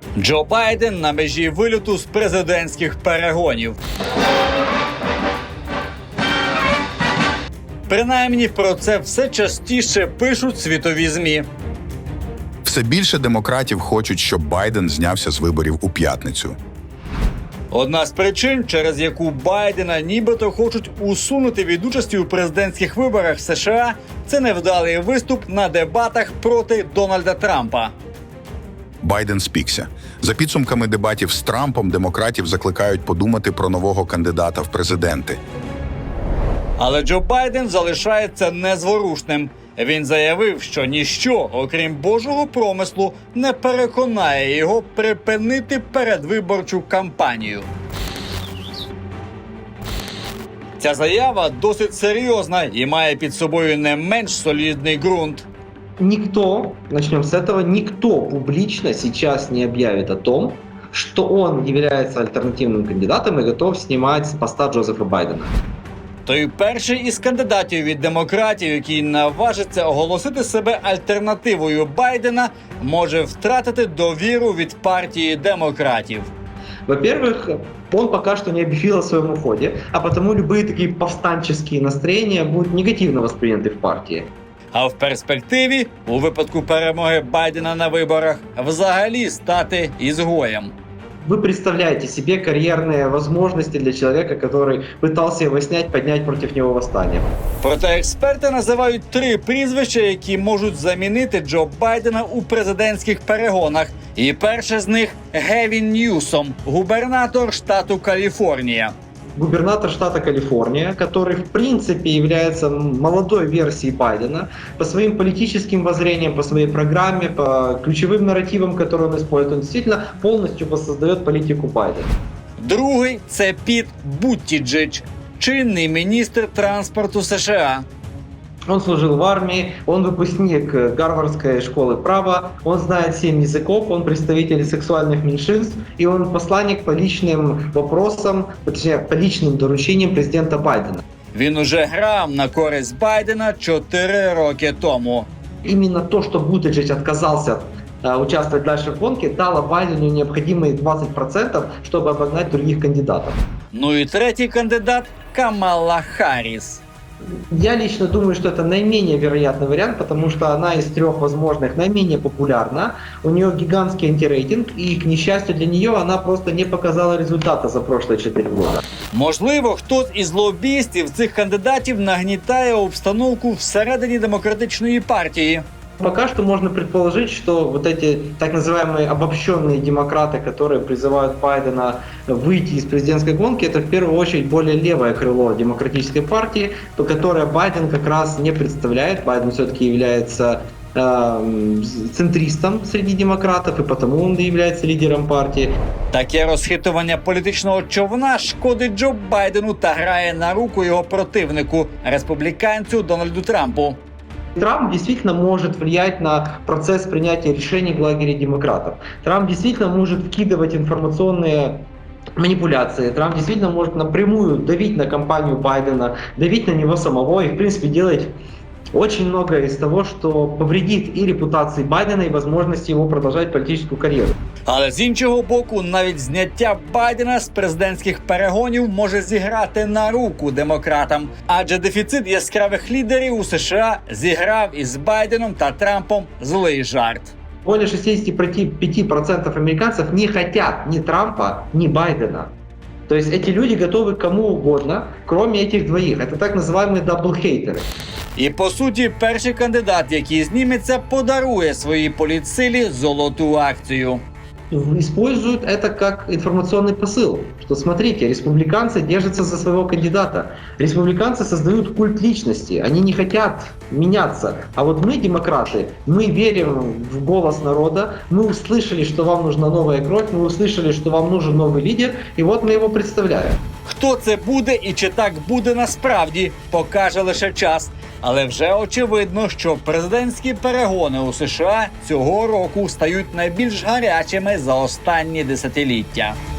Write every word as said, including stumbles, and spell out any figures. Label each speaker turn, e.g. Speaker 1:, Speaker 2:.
Speaker 1: Джо Байден на межі вильоту з президентських перегонів. Принаймні про це все частіше пишуть світові ЗМІ.
Speaker 2: Все більше демократів хочуть, щоб Байден знявся з виборів у п'ятницю.
Speaker 1: Одна з причин, через яку Байдена нібито хочуть усунути від участі у президентських виборах США, це невдалий виступ на дебатах проти Дональда Трампа.
Speaker 2: Байден спікся. За підсумками дебатів з Трампом, демократів закликають подумати про нового кандидата в президенти.
Speaker 1: Але Джо Байден залишається незворушним. Він заявив, що ніщо, окрім Божого промислу, не переконає його припинити передвиборчу кампанію. Ця заява досить серйозна і має під собою не менш солідний ґрунт.
Speaker 3: Никто, начнем с этого, никто публично сейчас не объявит о том, что он является альтернативным кандидатом и готов снимать с поста Джозефа Байдена.
Speaker 1: Той перший із кандидатів від демократів, який наважиться оголосити себе альтернативою Байдена, може втратити довіру від партії демократів.
Speaker 3: Во-первых, он пока что не объявил о своем уходе, а потому любые такие повстанческие настроения будут негативно восприняты в партии.
Speaker 1: А в перспективі, у випадку перемоги Байдена на виборах, взагалі стати ізгоєм.
Speaker 3: Вы представляете себе карьерные возможности для человека, который пытался его снять, поднять против него восстание.
Speaker 1: Проте експерти називають три прізвища, які можуть замінити Джо Байдена у президентських перегонах. І перше з них – Гевін Ньюсом, губернатор штату Каліфорнія.
Speaker 3: Губернатор штата Калифорния, который в принципе является молодой версией Байдена по своим политическим воззрениям, по своей программе, по ключевым нарративам, которые он использует. Он действительно полностью воссоздает политику Байдена.
Speaker 1: Другий – це Піт Буттіджедж, чинний міністр транспорту США.
Speaker 3: Он служил в армии, он выпускник Гарвардской школы права, он знает семь языков, он представитель сексуальных меньшинств, и он посланник по личным вопросам, точнее, по личным доручениям президента Байдена.
Speaker 1: Він уже грав на користь Байдена чотири роки тому.
Speaker 3: Именно то, что Бутиджедж отказался э, участвовать дальше в гонке, дало Байдену необходимые двадцать процентов, чтобы обогнать других кандидатов.
Speaker 1: Ну і третій кандидат – Камала Харріс.
Speaker 3: Я лично думаю, что это наименее вероятный вариант, потому что она из трех возможных наименее популярна. У нее гигантский антирейтинг, и, к несчастью для нее, она просто не показала результата за прошлые четыре года.
Speaker 1: Можливо, хтось із лобістів цих кандидатів нагнітає обстановку всередині демократичної партії.
Speaker 3: Пока что можно предположить, что вот эти так называемые обобщенные демократы, которые призывают Байдена выйти из президентской гонки, это в первую очередь более левое крыло демократической партии, то которое Байден как раз не представляет. Байден все-таки является э, центристом среди демократов, и потому он является лидером партии.
Speaker 1: Таке розхитування політичного човна шкодить Джо Байдену та грає на руку його противнику, республіканцю Дональду Трампу.
Speaker 3: Трамп действительно может влиять на процесс принятия решений в лагере демократов. Трамп действительно может вкидывать информационные манипуляции. Трамп действительно может напрямую давить на кампанию Байдена, давить на него самого и, в принципе, делать очень многое из того, что повредит и репутации Байдена, и возможности его продолжать политическую карьеру.
Speaker 1: Але з іншого боку, навіть зняття Байдена з президентських перегонів може зіграти на руку демократам. Адже дефіцит яскравих лідерів у США зіграв із Байденом та Трампом злий жарт.
Speaker 3: Более шестьдесят пять процентов американцев не хотят ни Трампа, ни Байдена. То есть эти люди готовы к кому угодно, кроме этих двоих. Это так называемые даблхейтеры.
Speaker 1: І по суті, перший кандидат, який зніметься, подарує своїй політсилі золоту акцію.
Speaker 3: Используют это как информационный посыл, что смотрите, республиканцы держатся за своего кандидата, республиканцы создают культ личности, они не хотят меняться, а вот мы, демократы, мы верим в голос народа, мы услышали, что вам нужна новая кровь, мы услышали, что вам нужен новый лидер, и вот мы его представляем.
Speaker 1: Хто це буде і чи так буде насправді, покаже лише час. Але вже очевидно, що президентські перегони у США цього року стають найбільш гарячими за останні десятиліття.